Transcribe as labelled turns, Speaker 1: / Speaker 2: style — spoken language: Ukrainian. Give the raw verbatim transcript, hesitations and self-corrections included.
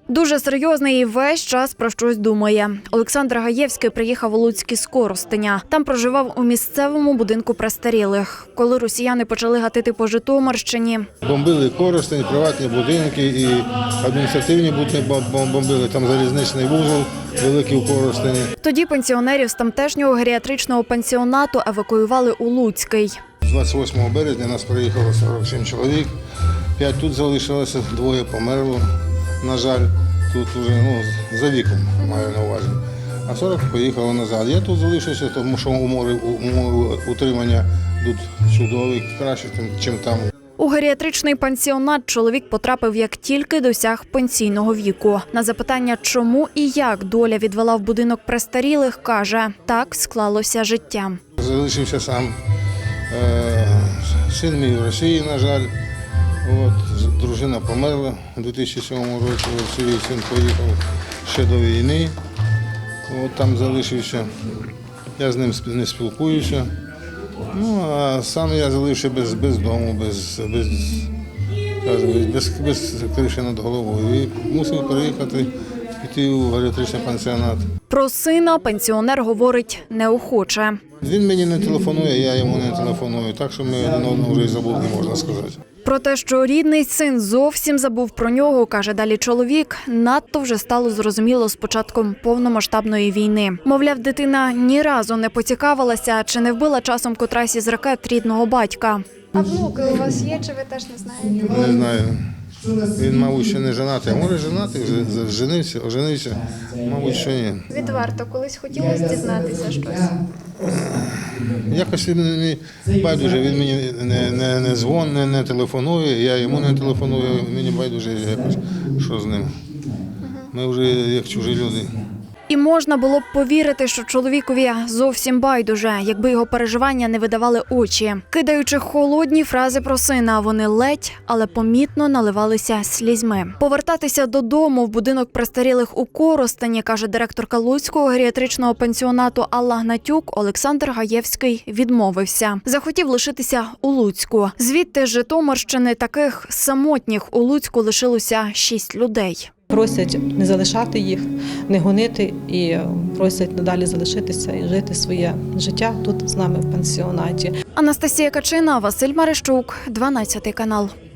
Speaker 1: Дуже серйозний і весь час про щось думає. Олександр Гаєвський приїхав у Луцьк із Коростеня. Там проживав у місцевому будинку престарілих. Коли росіяни почали гатити по Житомирщині.
Speaker 2: Бомбили Коростень, приватні будинки і адміністративні будинки бомбили. Там залізничний вузол великий у Коростені.
Speaker 1: Тоді пенсіонерів з тамтешнього геріатричного пансіонату евакуювали у Луцький.
Speaker 2: двадцять восьмого березня нас приїхало сорок сім чоловік. П'ять тут залишилося, двоє померло. На жаль, тут вже ну, за віком маю на увазі. А сорок поїхало назад. Я тут залишився, тому що умови, умови утримання тут чудові, краще, ніж там.
Speaker 1: У геріатричний пансіонат чоловік потрапив, як тільки досяг пенсійного віку. На запитання, чому і як доля відвела в будинок престарілих, каже, так склалося життя.
Speaker 2: Залишився сам. Син мій в Росії, на жаль. От, дружина померла у дві тисячі сьомому році, син поїхав ще до війни, от, там залишився, я з ним не спілкуюся, ну, а сам я залишився без, без дому, без, без, без, без криші над головою і мусив переїхати, піти у геріатричний пансіонат.
Speaker 1: Про сина пенсіонер говорить неохоче.
Speaker 2: Він мені не телефонує, я йому не телефоную, так що ми один одного вже і забули, можна сказати.
Speaker 1: Про те, що рідний син зовсім забув про нього, каже далі чоловік, надто вже стало зрозуміло з початком повномасштабної війни. Мовляв, дитина ні разу не поцікавилася, чи не вбила часом котрась із ракет рідного батька.
Speaker 3: А внуки у вас є, чи ви теж не знаєте?
Speaker 2: Не знаю. Він, мабуть, ще не женатий, а може женатий, вже женився, оженився, мабуть, що ні.
Speaker 3: Відверто, колись хотілося дізнатися щось?
Speaker 2: Якось він мені байдуже, він мені не, не, не дзвонить, не, не телефонує, я йому не телефоную, мені байдуже якось, що з ним. Ми вже як чужі люди.
Speaker 1: І можна було б повірити, що чоловікові зовсім байдуже, якби його переживання не видавали очі. Кидаючи холодні фрази про сина, вони ледь, але помітно наливалися слізьми. Повертатися додому в будинок престарілих у Коростені, каже директорка Луцького геріатричного пансіонату Алла Гнатюк, Олександр Гаєвський відмовився. Захотів лишитися у Луцьку. Звідти з Житомирщини таких самотніх у Луцьку лишилося шість людей.
Speaker 4: Просять не залишати їх, не гонити і просять надалі залишитися і жити своє життя тут з нами в пансіонаті.
Speaker 1: Анастасія Качина, Василь Марищук, дванадцятий канал.